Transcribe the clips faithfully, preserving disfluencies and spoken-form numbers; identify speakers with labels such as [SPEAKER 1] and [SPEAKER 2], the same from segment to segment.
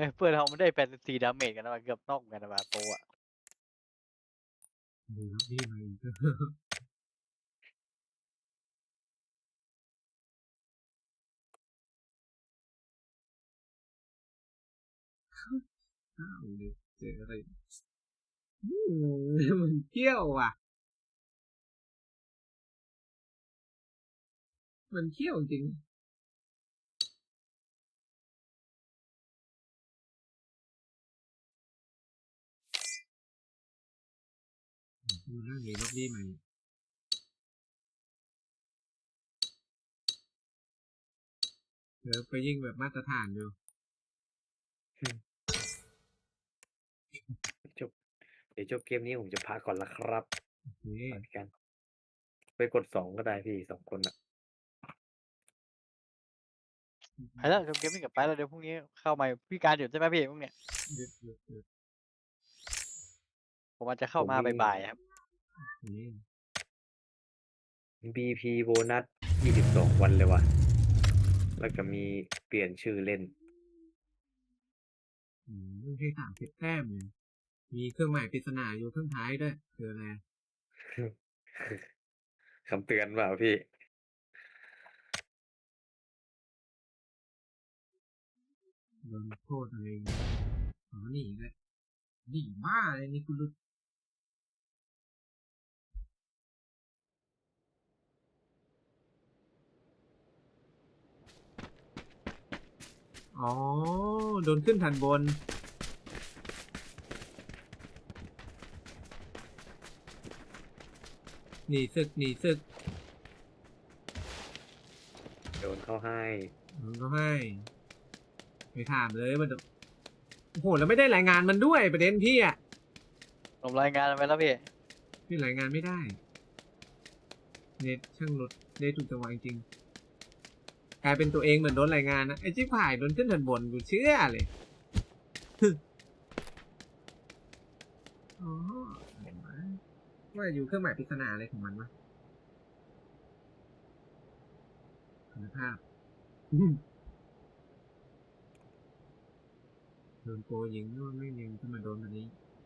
[SPEAKER 1] อ้ยเพื่อนเราไม่ได้แปดสิบสี่ดาเมจกันนะมันเกือบนอกกันนะมาโปอ่ะ
[SPEAKER 2] ดูครับพี่มาอีกอ้าวเดี๋ยวเจออะไรอืมมันเที่ยวอ่ะมันเที่ยวจริงดูเรื่องนี้รอบนี้มาเดี๋ยวไปยิ่งแบบมาตรฐานดู
[SPEAKER 3] จบเดี๋ยวจบเกมนี้ผมจะพักก่อนละครับ
[SPEAKER 2] โอเค
[SPEAKER 3] เหมือนกัน ไปกดสองก็ได้พี่สองคนอ่ะ
[SPEAKER 1] ไปแล้วเกมนี้กับไปแล้วเดี๋ยวพรุ่งนี้เข้ามาพี่การอยู่ใช่ไหมพี่พรุ่งเนี้ย
[SPEAKER 2] เดือดเดือดเดือด
[SPEAKER 1] ผมอาจจะเข้ามา
[SPEAKER 3] ผมมี
[SPEAKER 1] บ่ายๆครับ
[SPEAKER 2] นี่
[SPEAKER 3] บี พี โบนัสยี่สิบสองวันเลยว่ะ แล้วก็มีเปลี่ยนชื่อเล่น
[SPEAKER 2] อืมไม่ใช่สามสิบแต้มเลยมีเครื่องหมายปริศนาอยู่ข้างท้ายด้วยคืออะไร
[SPEAKER 3] คำเตือนเปล่าพี่
[SPEAKER 2] โดนโทษอะไรอ๋อหนีเลยหนีบ้าเลยนี่คุณรู้อ๋อโดนขึ้นทันบนหนีศึกหนีศึก
[SPEAKER 3] โดนเข้าให้
[SPEAKER 2] มันก็ให้ไม่ถามเลยมันโอ้โหแล้วไม่ได้รายงานมันด้วยประเด็นพี่อ่ะ
[SPEAKER 1] ผมรายงานไปแล้วพี่
[SPEAKER 2] พี่รายงานไม่ได้เน็ตช่างรถได้ถูกจังหวะจริงกลายเป็นตัวเองเหมือนโดนรายงานนะไอ้จิ๊บหายโดนขึ้นทันบนกูเชื่อเลย อ๋อเห็นไหมว่าอยู่เครื่องหมายปริศนาอะไรของมันวะคุณภาพ โดนโกยิงนู่นไม่ยิงขึ้นมาโดนแบบนี้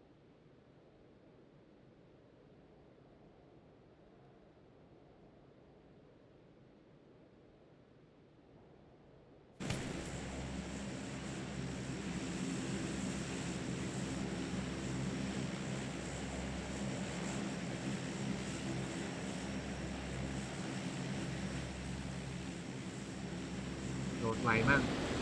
[SPEAKER 2] โดดไวมาก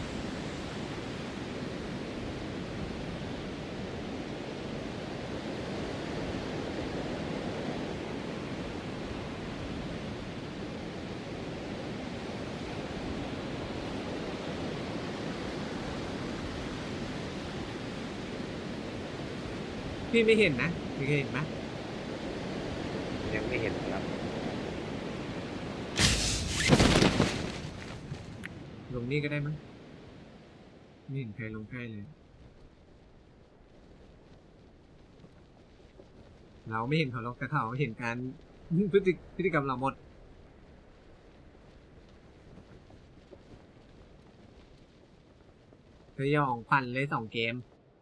[SPEAKER 2] พี่ไม่เห็นนะพี่เคยเห็นไหม
[SPEAKER 3] ยังไม่เห็นครับ
[SPEAKER 2] ลงนี่ก็ได้มั้งไม่เห็นใครลงใกล้เลย เราไม่เห็นเขาหรอกแต่เขาเห็นการ พฤติพฤติกรรมเราหมดเธอยองปั่นเลยสองเกม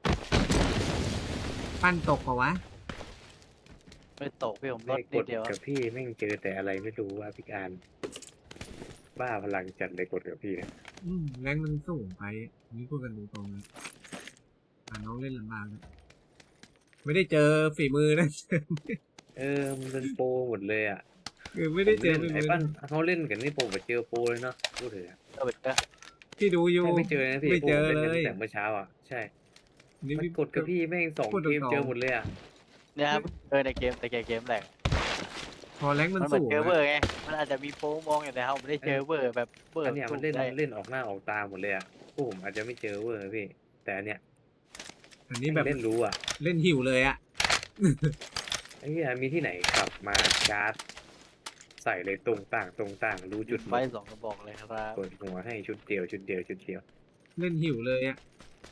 [SPEAKER 2] ปั้นตกปะวะ
[SPEAKER 1] ไม่ตกพี่ผมล
[SPEAKER 3] ไม่
[SPEAKER 1] ด
[SPEAKER 3] ก
[SPEAKER 1] นิด
[SPEAKER 3] ด
[SPEAKER 1] เดียว
[SPEAKER 3] กับพี่แม่งเจอแต่อะไรไม่รู้ว่าพี่การ บ้าพลังจัดเลยกดกับพี่เนี่ย
[SPEAKER 2] อืมแรงมันสูงไปนี่พูดกันตรงๆเลยอ่าน้องเล่นลำบากเลยไม่ได้เจอฝีมือนะ
[SPEAKER 3] เออมันเป็นโปรหมดเลยอ่ะ
[SPEAKER 2] คือไม่ได้เจอ
[SPEAKER 3] ผม
[SPEAKER 2] ฝี
[SPEAKER 3] เล่น
[SPEAKER 2] มื
[SPEAKER 3] ไอ้
[SPEAKER 2] อ
[SPEAKER 3] ปั้นเขาเล่นกันนี่โปรแบบเจอโปรเลยเนาะพูดเถอะ
[SPEAKER 1] เออเป็นก็
[SPEAKER 2] พี่ดูอยู่
[SPEAKER 3] ไม่เจอนะพี่
[SPEAKER 2] ไม่เจอ
[SPEAKER 3] พวกผม
[SPEAKER 2] เล
[SPEAKER 3] นกัน
[SPEAKER 2] ย
[SPEAKER 3] ตั้งแต่เมื่อเช้าอ่ะใช่
[SPEAKER 2] นี่
[SPEAKER 3] มัน
[SPEAKER 2] พี่
[SPEAKER 3] กดกับพี่แม่งสอง
[SPEAKER 2] พูดต
[SPEAKER 3] เก
[SPEAKER 2] รง
[SPEAKER 3] ม
[SPEAKER 2] ๆ
[SPEAKER 3] เจอหมดเลยอ่ะ
[SPEAKER 1] เนี่ยครับเออในเกมแต่เกมแรก
[SPEAKER 2] พอแรงมัน
[SPEAKER 1] มันเหมือ
[SPEAKER 2] สู
[SPEAKER 1] น
[SPEAKER 2] ง
[SPEAKER 1] เจอเวอ
[SPEAKER 2] อะ
[SPEAKER 1] ร์ไงมันอาจจะมีโปรมองอยู่แต่เราไม่ได้เจอเวอร์แบบเวอ
[SPEAKER 3] อัน
[SPEAKER 1] ร์
[SPEAKER 3] เนี้ย
[SPEAKER 1] สู้
[SPEAKER 3] มันเล่น
[SPEAKER 1] ได้
[SPEAKER 3] เล่นออกหน้าออกตาหมดเลยอ่ะพวกผมอาจจะไม่เจอเวอร์พี่ แต่อันเนี้ย
[SPEAKER 2] อันนี้แบบ
[SPEAKER 3] เล่นรู้อ่ะ
[SPEAKER 2] เล่นหิวเลยอะ
[SPEAKER 3] ไอ้เหี้ยมีที่ไหนขับมาชาร์จใส่เลยตรงต่างตรงต่างรู้
[SPEAKER 1] จุ
[SPEAKER 3] จุ
[SPEAKER 1] ด
[SPEAKER 3] ด
[SPEAKER 1] ไฟ
[SPEAKER 3] หมด
[SPEAKER 1] สองกระบอกเลยครับ
[SPEAKER 3] เปิดหัวให้ชุดเดียวชุดเดียวชุดเดียว
[SPEAKER 2] เล่นหิวเลยอะ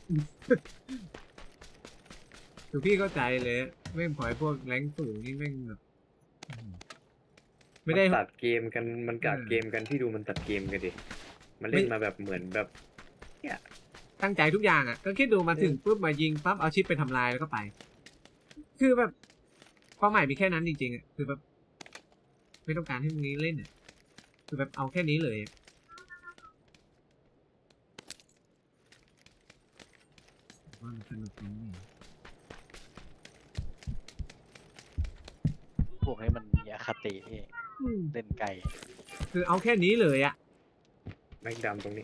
[SPEAKER 2] คือพี่เข้าใจเลยแม่งพอยพวกแรงสูงนี่แม่งแบบอืมไม่ได้
[SPEAKER 3] นตัดเกมกันมันกัด
[SPEAKER 2] เออ
[SPEAKER 3] เกมกันที่ดูมันตัดเกมกันดิมันเล่น
[SPEAKER 2] ไม่
[SPEAKER 3] มาแบบเหมือนแบบเนี่ย
[SPEAKER 2] ตั้งใจทุกอย่างอ่ะก็คิดดูมาถึงปุ๊บมายิงปั๊บเอาชิปไปทำลายแล้วก็ไป คือแบบเป้าหมายมีแค่นั้นจริงๆอ่ะคือแบบไม่ต้องการให้มึงเล่นอ่ะคือแบบเอาแค่นี้เลยว่ามันสนุกตรงนี้
[SPEAKER 1] พวกนี้มันมีอคติพี่
[SPEAKER 2] อืม
[SPEAKER 1] เล่นไก่
[SPEAKER 2] คือเอาแค่นี้เลยอ่ะ
[SPEAKER 3] แม็กดำตรงนี้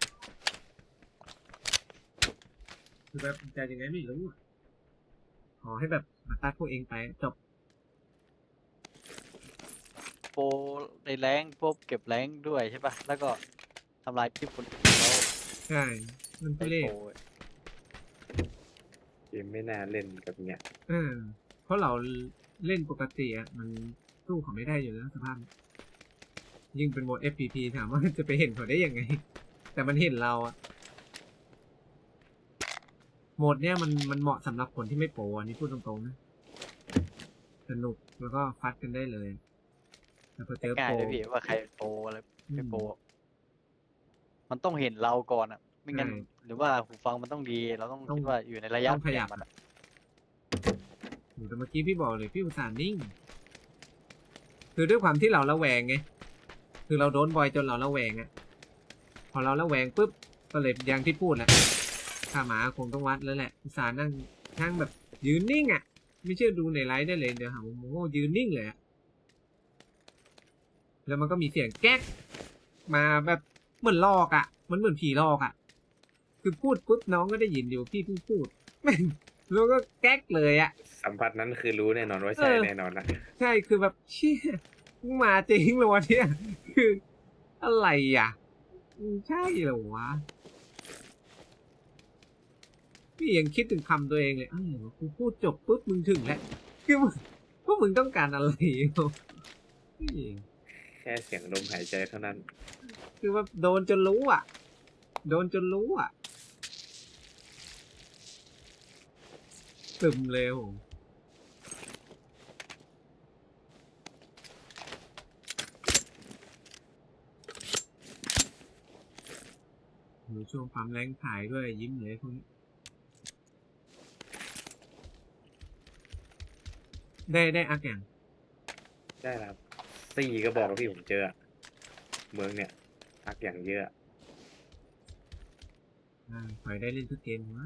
[SPEAKER 2] คือแบบใจยังไงไม่รู้อะขอให้แบบมาตัดพวกเองไปจบ
[SPEAKER 1] โปรในแรงพวกเก็บแรงด้วยใช่ปะแล้วก็ทำลายที่คนอื่นแล้ว
[SPEAKER 2] ใช่มัน
[SPEAKER 1] ได้
[SPEAKER 2] ทุเรศ
[SPEAKER 1] โปร
[SPEAKER 3] เกมไม่น่าเล่นกับเนี่ย
[SPEAKER 2] เออเพราะเราเล่นปกติอ่ะมันสู้เขาไม่ได้อยู่แล้วสภาพ ยิ่งเป็นโหมด เอฟ พี พี ถามว่าจะไปเห็นเขาได้ยังไง แต่มันเห็นเราอะโหมดเนี้ยมันมันเหมาะสำหรับคนที่ไม่โปรอันนี้พูดตรงๆนะสนุกแล้วก็ฟัดกันได้เลยแต่พอเจอ
[SPEAKER 1] ง่าย
[SPEAKER 2] โปร
[SPEAKER 1] เลยพี่ว่าใครโปรอะไร
[SPEAKER 2] อื
[SPEAKER 1] ไม่
[SPEAKER 2] ม
[SPEAKER 1] โปรมันต้องเห็นเราก่อนอ่ะ ไม่งั้น
[SPEAKER 2] ใช่
[SPEAKER 1] หรือว่าหูฟังมันต้องดี เราต้อง
[SPEAKER 2] ต้อง
[SPEAKER 1] คิดว่าอยู่ในระยะ
[SPEAKER 2] ต้องขยับ
[SPEAKER 1] เปลี่นมันอะ
[SPEAKER 2] โหแต่เมื่อกี้พี่บอกเลยพี่อุตส่าห์นิ่ง คือด้วยความที่เราระแวงไงคือเราโดนบ่อยจนเราระแวงอะพอเราระแวงปุ๊บก็เลยอย่างที่พูดแหละข้าหมาคงต้องวัดแล้วแหละอุตส่าห์นั่งนั่งแบบยืนนิ่งอะไม่เชื่อดูในไลฟ์ได้เลยเดี๋ยวหาว่าโมโหยืนนิ่งเลยอะแล้วมันก็มีเสียงแก๊กมาแบบเหมือนลอกอะมันเหมือนผีลอกอะคือพูดปุ๊บน้องก็ได้ยินอยู่พี่เพิ่งพูดแม่งแล้วก็แก๊กเลยอะ
[SPEAKER 3] สัมผัสนั้นคือรู้แน่นอนว่าใช่
[SPEAKER 2] เออ
[SPEAKER 3] แน่นอนนะ
[SPEAKER 2] ใช่คือแบบเชี่ยมึงมาจริงเหรอวะเนี่ยคืออะไรอ่ะมึงใช่เหรอวะพี่ยังคิดถึงคำตัวเองเลยอ้าวกูพูดจบปุ๊บมึงถึงแล้วคือมึงพวกมึงต้องการอะไรวะพี่
[SPEAKER 3] แค่เสียงลมหายใจเท่านั้น
[SPEAKER 2] คือว่าโดนจนรู้อ่ะ โดนจนรู้อ่ะตึมเลยโหอยู่ช่วงปั๊มแรงขายด้วยยิ้มเลยพวกนี้ได้ได้อักอย่าง
[SPEAKER 3] ได้แล้วครับสี่ก็บอกว่าพี่ผมเจออะเมืองเนี่ยพักอย่างเยอะ
[SPEAKER 2] อ่าขอให้ได้เล่นทุกเกมว่า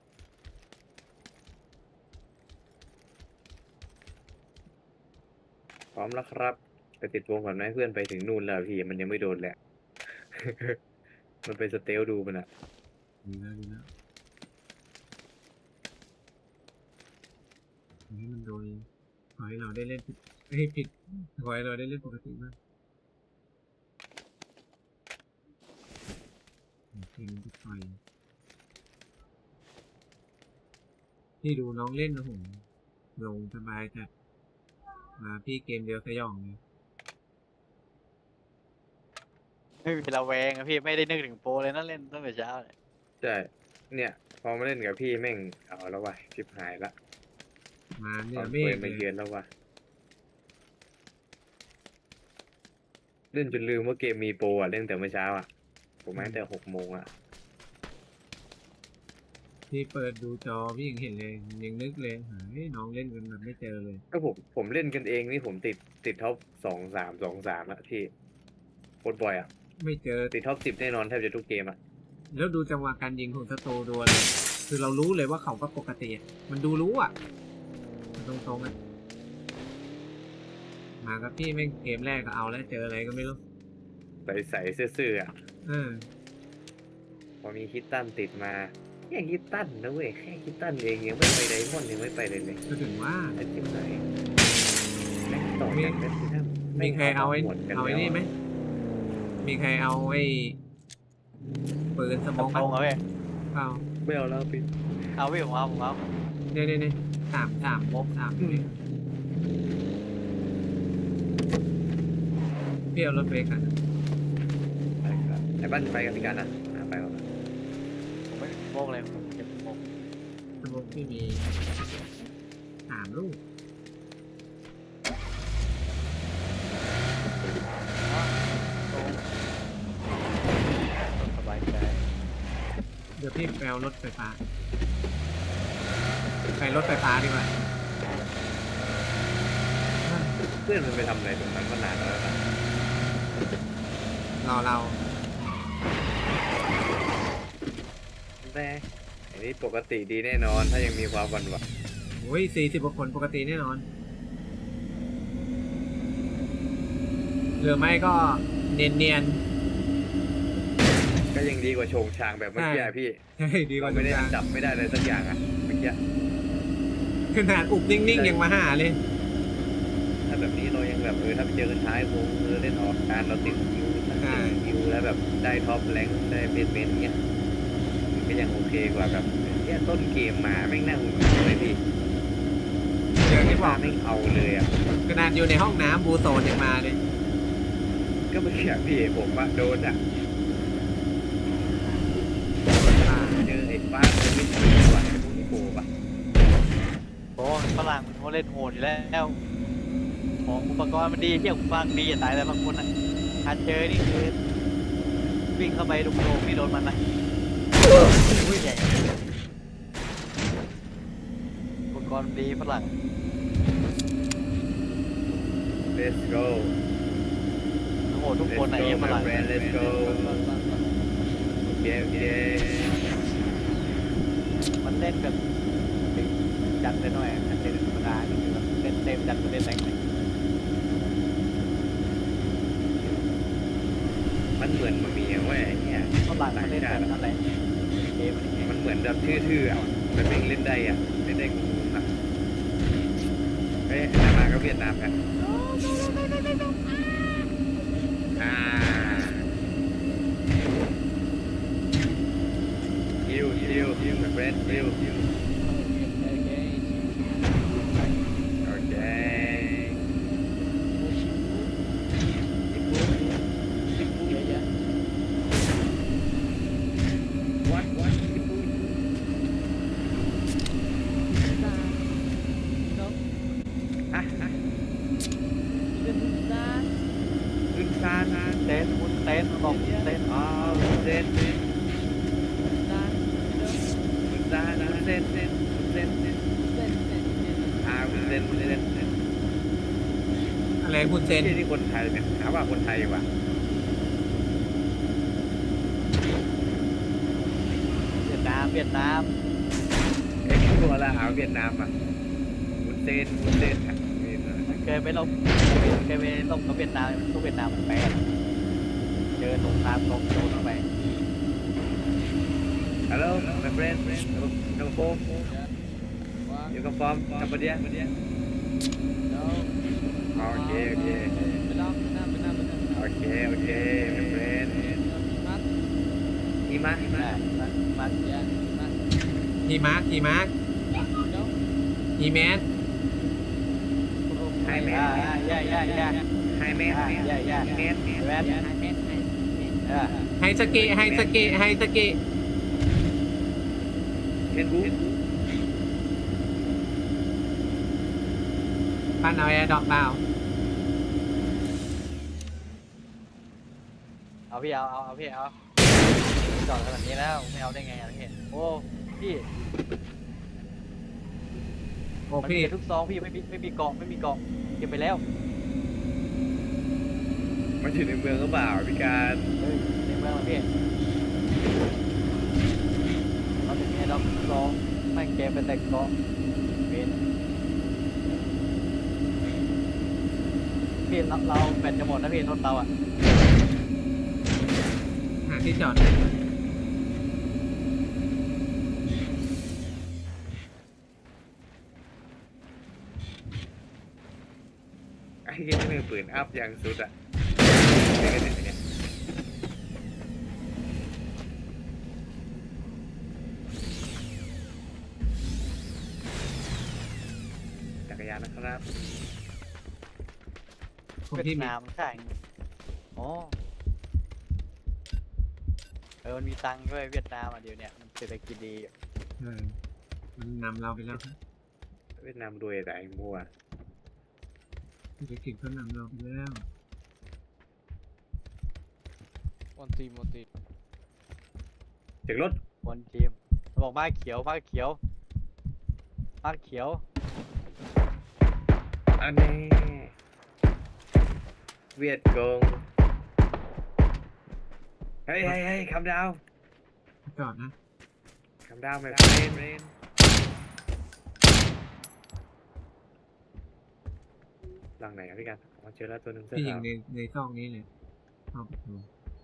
[SPEAKER 3] พร้อมแล้วครับไปติดวงก่อนไหมเพื่อนไปถึงนู่นแล้วพี่มันยังไม่โดนแหละ มันเป็นสเตลดูมันอะ
[SPEAKER 2] ดีแล้วดีแล้วขอให้มันโดยขอให้เราได้เล่นผิดไม่ให้ผิดขอให้เราได้เล่นปกติมากเพลงทุกไฟพี่ดูน้องเล่นนะผมลงสบายจัดมาพี่เกมเดียวสยองเลย
[SPEAKER 1] ไม่มีระแวงอะพี่ไม่ได้นึกถึงโปรเลยนะเล่นตั้งแต่เช้าเลย
[SPEAKER 3] ใช่เนี่ย พอมาเล่นกับพี่แม่งเอาแล้ววะชิบหายละ
[SPEAKER 2] มาเห
[SPEAKER 3] ต
[SPEAKER 2] เนี่
[SPEAKER 3] อย น
[SPEAKER 2] เม
[SPEAKER 3] เปิ
[SPEAKER 2] ฆ
[SPEAKER 3] ด
[SPEAKER 2] เล
[SPEAKER 3] มาย เยือนแล้ววะเล่นจนลืมว่าเกมมีโปรอ่ะเล่นแต่เมื่อเช้าอ่ะผมมาตั้งแต่หกโมงอ่ะ
[SPEAKER 2] พี่เปิดดูจอพี่ยังเห็นเลยยังนึกเลยเฮ้ยน้องเล่นกันแบบไม่เจอเลย
[SPEAKER 3] ก็ผมผมเล่นกันเองนี่ผมติดติดท็อปสองสามสองสามอะพี่โคตรบ่อยอ่ะ
[SPEAKER 2] ไม่เจอ
[SPEAKER 3] ติดท็อปสิบแน่นอนแทบจะทุกเกมอ่ะ
[SPEAKER 2] แล้วดูจังหวะการยิงของสโตดูเลย คือเรารู้เลยว่าเขาก็ปกติอะมันดูรู้อ่ะมันตรงๆอ่ะ มากับพี่แม่งเกมแรกก็เอาแล้วเจออะไรก็ไม่รู้
[SPEAKER 3] ใส่ใส่ๆซื่อๆอ่ะ
[SPEAKER 2] เออ
[SPEAKER 3] พอมีคิตตันติดมาแค่คิตตันนะเว้ยแค่คิตตันเองยังไม่ไปไดมอนด์ยังไม่ไปเลยเลย
[SPEAKER 2] ก็ถึงว่า
[SPEAKER 3] ไอ้จิ้มไหนแม่งต่อกันแม่งคือถ้า
[SPEAKER 2] มีใครเอาไอ้
[SPEAKER 3] หมดกัน
[SPEAKER 2] เอาไอ้
[SPEAKER 3] แล้ว
[SPEAKER 2] นี่ไหม มีใครเอาไอ้ปืนสมอง
[SPEAKER 1] เอาเอาพี่
[SPEAKER 2] เอา
[SPEAKER 3] ไม่เอาแล้วพี่
[SPEAKER 1] เอาพี่ผมเอาผมเอา
[SPEAKER 2] เนี่ยเนี่ยเนี่ยสามสามสามเนี่ยพี่เอารถเบรกอ่ะ
[SPEAKER 3] ไปครับไอ้บ้านไปกับพี่กันนะอ่ะไปก่อนนะ
[SPEAKER 1] ผมไม่โมกเลยผมเก็บโมก
[SPEAKER 2] สมองพี่มีสามลูก
[SPEAKER 1] ตรงสบายใจ
[SPEAKER 2] เดี๋ยวพี่ไปเอารถไฟฟ้าไปรถไฟฟ้าดีกว่า
[SPEAKER 3] เพื่อนมันไปทำอะไรตรงนั้นมานานแล้วนะ
[SPEAKER 2] รอเรา
[SPEAKER 3] แต่อันนี้ปกติดีแน่นอนถ้ายังมีความหวั่นไหว
[SPEAKER 2] โอ้ยสี่สิบกว่าคนปกติแน่นอนหรือไม่ก็เนียนเนียน
[SPEAKER 3] ก็ยังดีกว่าโชงชางแบบเมื่อกี้อะพี่
[SPEAKER 2] ๆใช่ดีก
[SPEAKER 3] เรา
[SPEAKER 2] ว่า
[SPEAKER 3] ไม่ได้
[SPEAKER 2] ทุกอย่าง
[SPEAKER 3] จับไม่ได้เลยสักอย่างอะเมื่อกี้
[SPEAKER 2] ขนาดอุบนิ่งๆยังมาหาเลย
[SPEAKER 3] ถ้าแบบนี้เรายังแบบเออถ้าไปเจอกันท้ายวงเออเล่นออกการเราติดคิวถ้า
[SPEAKER 2] ใช่
[SPEAKER 3] ติดคิวแล้วแบบได้ท็อปแรงค์ได้เบสเบสเงี้ยมันก็ยังโอเคกว่าแบบแค่ต้นเกมมาแม่งน่าหุ่นเลยพี่
[SPEAKER 2] อย่างที่บอก
[SPEAKER 3] แม่งเอาเลยอ่ะ
[SPEAKER 2] ขนาดอยู่ในห้องน้ำบูโซนยังมาเลย
[SPEAKER 3] ก็เมื่อกี้พี่ผมว่าโดนอ่ะเจอไอ้ฟ้ามันไม่ดีกว่าไอ้พวกนี้โผล่ปะ
[SPEAKER 1] โอ้ฝรั่งเขาเล่นโหดอยู่แล้วของอุปกรณ์มันดีเที่ยวฟังดีอย่าตายแต่บางคนอ่ะถ้าเจอนี่คือวิ่งเข้าไปดุโดงนี่โดนมันนะอุ้ยใหญ่อุปกรณ์ดีฝรั่ง
[SPEAKER 3] let's go
[SPEAKER 1] โหดทุกคนไหน
[SPEAKER 3] Let's go,
[SPEAKER 1] เยี่ยมฝรั่ง
[SPEAKER 3] my friend, let's go โอเคโอเค
[SPEAKER 1] มันเล่นแบบจัดไปหน่อยถ้าเล่นธรรมดาก็คือแบบเล่นเต็มจัดไปเล่นแรงเลย
[SPEAKER 3] มันเหมือนมันมีอย่างว่าไอ้เนี่ย
[SPEAKER 1] ฝรั่งมันเล่นแบบนั้นแหละเกมมันอย่างเงี้ย
[SPEAKER 3] มันเหมือนแบบทื่อๆอ่ะมันเป็นเล่นได้อ่ะเล่นได้งงๆอ่ะเฮ้ยนามาก็เวียดนามกันอ่าฮิวฮิวฮิวเฟรนฮิวฮิวโอเค what what อ่ะอ่ะขึ้นซาซา
[SPEAKER 1] เต้นคุณเต้นบอกเต้น
[SPEAKER 3] อ๋อเซนเซนขึ้นซาซาเซนเซนเซนเซนอ่าเซนเซนเซน
[SPEAKER 2] อะไรคุณเซน
[SPEAKER 3] ที่ที่คนไทยเนี่ยหาว่าคนไทยว่ะ
[SPEAKER 1] เวียดนามเวียดนาม
[SPEAKER 3] ไอ้ตัวละหาเวียดนามอ่ะมุนเซนมุนเซนอ่ะ
[SPEAKER 1] เคยไปลบเคยไปลบกับเวียดนามทุกเวียดนามมันแปลกเจอสงครามตรงโดนเข้าไป
[SPEAKER 3] ฮัลโหล my friend number four you come from Cambodia โอเคโอเคโอเคโอเค my friend หิมะหิมะ
[SPEAKER 1] มันมัน
[SPEAKER 2] ฮีมาร์คฮีมาร์คฮีแมส
[SPEAKER 3] ไฮแมน
[SPEAKER 1] อ่าย่าย่าย่า
[SPEAKER 3] ไฮแมน
[SPEAKER 1] อ่าย่าย่า
[SPEAKER 3] แมนแมน
[SPEAKER 1] แมนเออ
[SPEAKER 2] ไฮสเกะไฮสเกะไฮสเกะ
[SPEAKER 3] เห็นบู
[SPEAKER 2] ปั้นเอาแอร์ดรอปเปล่า
[SPEAKER 1] เอาพี่เอาเอาเอาพี่เอาจอดขนาดนี้แล้วไม่เอาได้ไงอ่ะพี่โอ้พี่
[SPEAKER 2] โอ้
[SPEAKER 1] มัน
[SPEAKER 2] พี่
[SPEAKER 1] มีทุกซองพี่ไม่มีไม่มีกล่องไม่มีกล่องเก็บไปแล้ว
[SPEAKER 3] มันอยู่ในเมืองหรือเปล่าพี่การ
[SPEAKER 1] เฮ้ยในเมืองเหรอพี่เราจะมีให้เราซองไม่เก็บไปแต่กล่องเป็นพี่เราเราแบตจะหมดนะพี่รถเราอ่ะ
[SPEAKER 2] หาที่จอด
[SPEAKER 3] ไอ้ที่มือปืนอัพอย่างสุดอ่ะไอ้เนี่ยเนี่ยจักรยานนะครับ
[SPEAKER 2] ผม
[SPEAKER 1] เวีย
[SPEAKER 2] ที่
[SPEAKER 1] ด
[SPEAKER 2] มี
[SPEAKER 1] นามใช่อ๋อเออมันมีตังค์ด้วยเวียดนามอ่ะเดี๋ยวเนี้ยมันเศรษฐกิจดีอยู่
[SPEAKER 2] เออมันนำเราไปแล้วครับ
[SPEAKER 3] เวียดนามรวยแต่ไอ้มัว
[SPEAKER 2] เศรษฐกิจเขานำเราไปแล้ว
[SPEAKER 4] มอนตีมอนตี
[SPEAKER 3] ถึงรถ
[SPEAKER 1] บนทีมมันบอกมาเขียวมาเขียวมาเขียว
[SPEAKER 3] อันนี้เวียดกงเฮ้ยเฮ้ยเฮ้ยคำดาว
[SPEAKER 2] จอดนะ
[SPEAKER 3] คำดาวไม่เป็นเรนหลังไหนครับพี่กันอ๋อเจอแล้วตัวหนึ่งเสื้อ
[SPEAKER 2] พี่ยิง
[SPEAKER 3] ขาว
[SPEAKER 2] ในในซอกนี้เลยเข้าประตู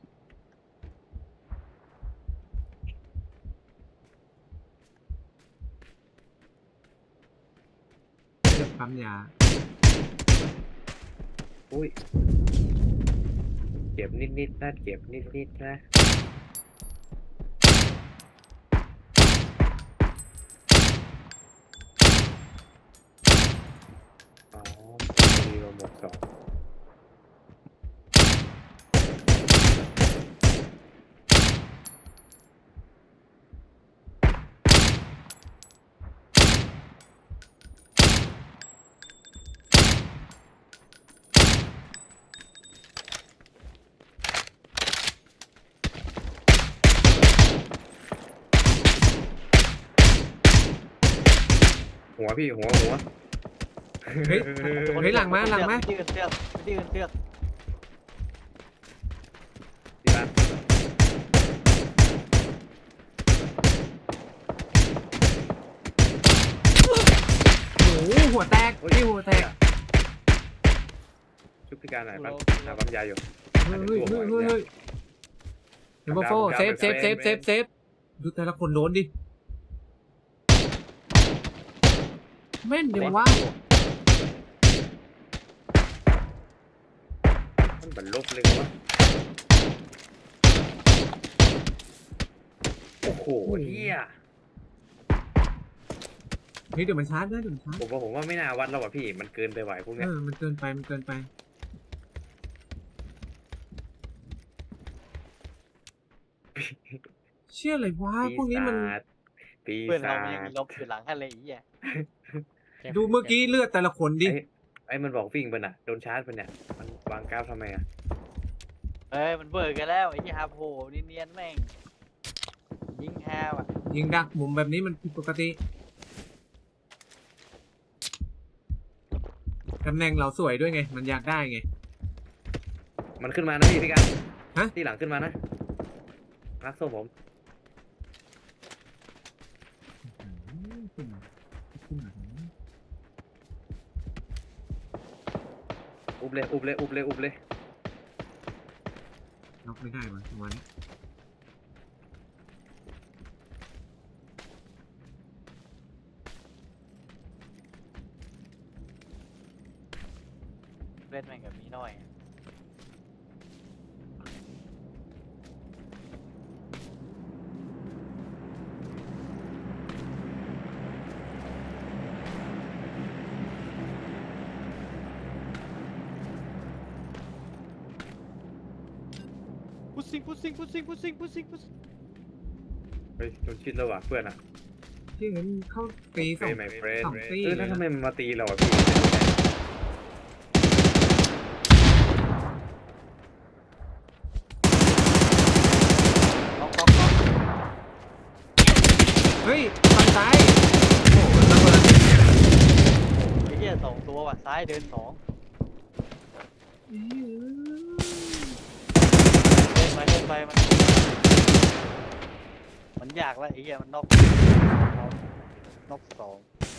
[SPEAKER 2] เลือกปั๊มยา
[SPEAKER 3] อุ้ยเจ็บนิดๆนะเจ็บนิดๆนะอ๋อมีโรหมดสองหัวพี่หัวหัว
[SPEAKER 2] เฮ้ย เฮ้ยหลังมาหลังมา
[SPEAKER 1] ที่อื่นเชือกที่อื่นเชือก
[SPEAKER 3] ที่บ้าน
[SPEAKER 2] โอ้โหหัวแตกพี่หัวแตก
[SPEAKER 3] ชุบพิการไหนบ้างหาปั๊มยาอยู่
[SPEAKER 2] เฮ้ยเฮ้ยเฮ้ยเฮ้ยเฮ้ยเดี๋ยวมาโฟเซฟเซฟเซฟเซฟเซฟดูแต่ละคนโดนดิแม่นจังวะ
[SPEAKER 3] มันบรรลุเลยวะโอ้โหเฮีย
[SPEAKER 2] เฮ้ยเดี๋ยวมันชาร์จนะเดี๋ยวมันชาร์จ
[SPEAKER 3] ผมว่าผมว่าไม่น่าวัดแล้วว่ะพี่มันเกินไปไหวพวก
[SPEAKER 2] เอ
[SPEAKER 3] เนี้ย
[SPEAKER 2] อมันเกินไปมันเกินไปเชื่ออะไรวะพวกนี้มัน
[SPEAKER 3] ปี
[SPEAKER 1] เพื่อน
[SPEAKER 3] ศา
[SPEAKER 1] เรามันยัง
[SPEAKER 3] จ
[SPEAKER 1] มีลบอยู่หลังอะไรอีกอ่ะ
[SPEAKER 2] ดูเมื่อกี้เลือดแต่ละคนดิ
[SPEAKER 3] ไอ้ไอ้มันบอกวิ่งไปน่ะโดนชาร์จไปเนี่ยมันวางก้าวทำไมอ่ะ
[SPEAKER 1] เอ้ยมันเบิกกันแล้วไอ้ที่ฮาโผนี่เนียนแม่งยิงฮาวอ่ะ
[SPEAKER 2] ยิงดักมุมแบบนี้มันผิดปกติตำแหน่งเราสวยด้วยไง มันอยากได้ไง
[SPEAKER 3] มันขึ้นมานะพี่พี่กัน
[SPEAKER 2] ฮะ
[SPEAKER 3] ที่หลังขึ้นมานะรักส้มผมอุบเลยอุบเลยอุบเลยอุบเลย
[SPEAKER 2] น็อกไม่ได้วะประมาณนี้
[SPEAKER 1] เล่นแม่งกับมีน้อยอะ พุชซิงพุชซิงพุชซิงพุชซิงพุชซิงพุชซิง
[SPEAKER 3] เฮ้ยโดนชิดแล้วว่ะเพื่อนอ่ะ
[SPEAKER 2] ที่เห็นเข้าตีสอง
[SPEAKER 3] ไม่เฟรน
[SPEAKER 2] สองตี
[SPEAKER 3] เออ
[SPEAKER 2] เล
[SPEAKER 3] แล้
[SPEAKER 2] ยว
[SPEAKER 3] ทำไม
[SPEAKER 2] นะ
[SPEAKER 3] มันมาตีเราอ่ะพี่
[SPEAKER 1] ล็อกล็อกล็อก
[SPEAKER 2] เฮ้ยทางซ้ายโอ้โหมันระเบิด
[SPEAKER 1] ไอ้เหี้ยสองตัวว่ะซ้ายเดินสองเล่นไปเล่นไปมันมันยากแล้วไอ้เหี้ยมันนอกนอกสอง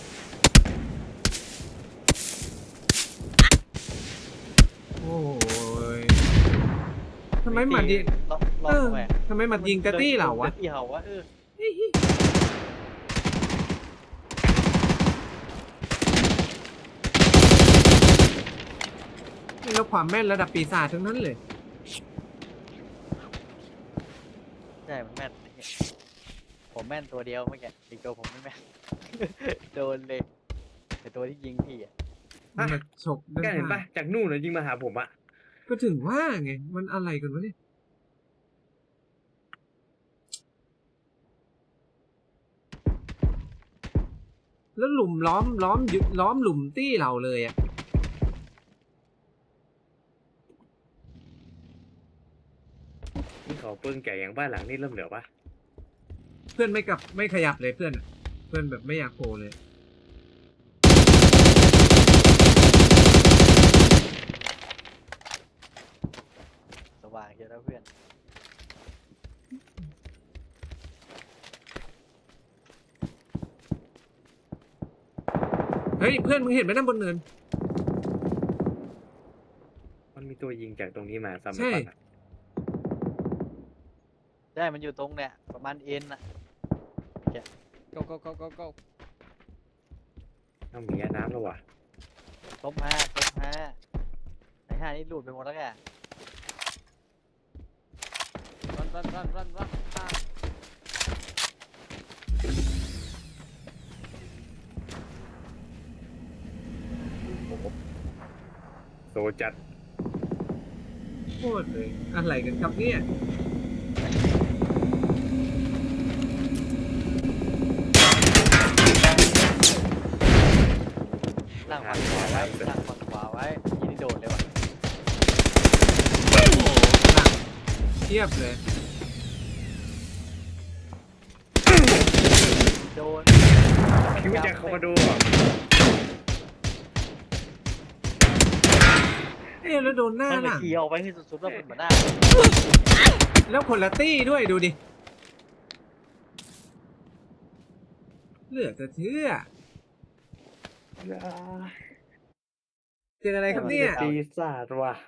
[SPEAKER 2] โอ้ยทำไมหมัดยิง
[SPEAKER 1] ล็อกล็อ
[SPEAKER 2] เอก อ
[SPEAKER 1] ทำไม
[SPEAKER 2] ทำไมหมัดยิงแต่ตี้เหล่าวะ
[SPEAKER 1] ตี้เหล่าวะเออ
[SPEAKER 2] นี่แล้วความแม่นระดับปีศาจทั้งนั้นเลย
[SPEAKER 1] ใช่มันแม่นไอ้เหี้ยผมแม่นตัวเดียวเมื่อกี้อีกตัวผมไม่แม่น โดนเลยแต่ตัวที่ยิงพี่อ่ะ
[SPEAKER 2] มันมาฉกด้าน
[SPEAKER 3] แกเห็นปะ
[SPEAKER 2] ข้าง
[SPEAKER 3] จากนู่นเลยยิงมาหาผมอ่ะ
[SPEAKER 2] ก็ถึงว่าไง มันอะไรกันวะเนี่ย แล้วหลุมล้อมล้อมยึดล้อมหลุมตี้เราเลยอ่ะ
[SPEAKER 3] นี่เขาเปิ้งแก่อย่างบ้านหลังนี่เริ่มเหลือปะ
[SPEAKER 2] พื่อนไม่กลับไม่ขยับเลยเพื่อนอะเพื่อนแบบไม่อยากโผล่เลย
[SPEAKER 1] สว่างเยอะแล้วเพื่อน
[SPEAKER 2] เฮ้ยเพื่อนมึงเห็นไหมนั่นบนเนิน
[SPEAKER 3] มันมีตัวยิงจากตรงนี้มาสมัย
[SPEAKER 2] ใช่
[SPEAKER 3] ก่อนอะ
[SPEAKER 1] ใช่มันอยู่ตรงเนี่ยประมาณเอ็นอะ
[SPEAKER 4] go go go go go
[SPEAKER 3] ต้องมีน้ำแล้ววะ
[SPEAKER 1] ต้มห้าต้มห้าไอ้ห้านี่หลุดไปหมดแล้วแก
[SPEAKER 4] run run run run run อ่ะ
[SPEAKER 3] โอ้โหโซจัด
[SPEAKER 2] โคตรเลยอะไรกันครับเนี่ย
[SPEAKER 1] นั่งฝั่งขวาไว้นั่งฝั่งขวาไว้ยี่นี่โดดเลยว่ะ
[SPEAKER 2] โอ้โหหลังเทียบเลย
[SPEAKER 1] โดน
[SPEAKER 3] คิดว่าจะเข้ามาดูอ่ะ
[SPEAKER 2] เอ๊ะแล้วโดนหน้า
[SPEAKER 1] มัน
[SPEAKER 2] ห
[SPEAKER 1] เลย
[SPEAKER 2] ลัง
[SPEAKER 1] ขี่ออกไปที่สุดๆแล้วเป็นเหมือนหน้า
[SPEAKER 2] แล้วคนละตี้ด้วยดูดิเหลือจะเชื่อเจออะไรครับเนี่ย
[SPEAKER 3] ปีศาจว่ะ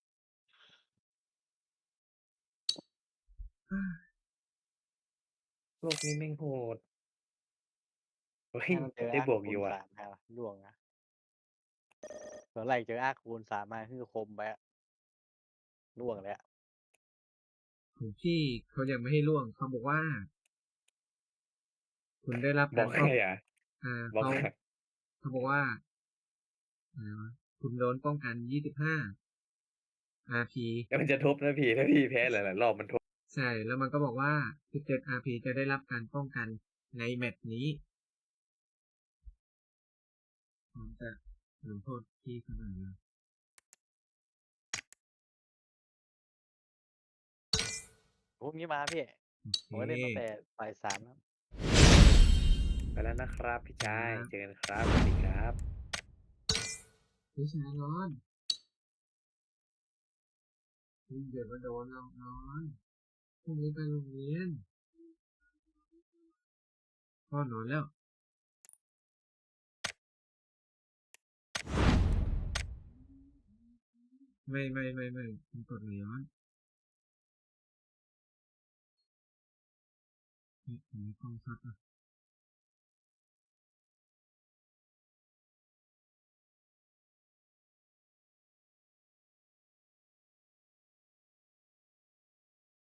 [SPEAKER 3] โลกนี้แม่งโหดเฮ้ย
[SPEAKER 1] มันเจอ
[SPEAKER 3] ได้
[SPEAKER 1] อา
[SPEAKER 3] บวก
[SPEAKER 1] คู
[SPEAKER 3] อยู่
[SPEAKER 1] ณ
[SPEAKER 3] อ่ะ
[SPEAKER 1] สามฮะล่วงนะส่วนแรกเจออาคูณสามมาคือคมไปอะล่วงเลยอะ
[SPEAKER 2] ของพี่เขายังไม่ให้ล่วงเขาบอกว่า คุณได้รับ
[SPEAKER 3] บ
[SPEAKER 2] กา
[SPEAKER 3] อก
[SPEAKER 2] ร
[SPEAKER 3] ใค
[SPEAKER 2] ป้
[SPEAKER 3] ร
[SPEAKER 2] อง
[SPEAKER 3] อ่ะ
[SPEAKER 2] อ่า
[SPEAKER 3] บอก
[SPEAKER 2] เขา
[SPEAKER 3] ใคร
[SPEAKER 2] เขาบอกว่าอะไรวะคุณโดนป้องกันยี่สิบห้า อาร์ พี
[SPEAKER 3] แล้วมันจะทบนะพี่ถ้าพี่แพ้หลายๆรอบมันทบ
[SPEAKER 2] ใช่ แล้วมันก็บอกว่าสิบเจ็ด อาร์ พี จะได้รับการป้องกันในแมตช์นี้ผมจะลงโทษพี่เสมอ
[SPEAKER 1] พวกนี้มาพี่ผมก็เล่นตั้งแต่บ่ายสามแล้ว
[SPEAKER 3] ไปแล้วนะครับพี่ชาย
[SPEAKER 2] ครับ
[SPEAKER 3] เจอกันครับสวัสดีครับ
[SPEAKER 2] พี่ชายร้อนพี่เดี๋ยวมาโดนเราร้อนพรุ่งนี้ไปโรงเรียนพ่อนอนแล้ว ไม่ไม่ไม่ไม่มันกดไหลย้อนเฮ้ยทำไมกล้องชัดอ่ะ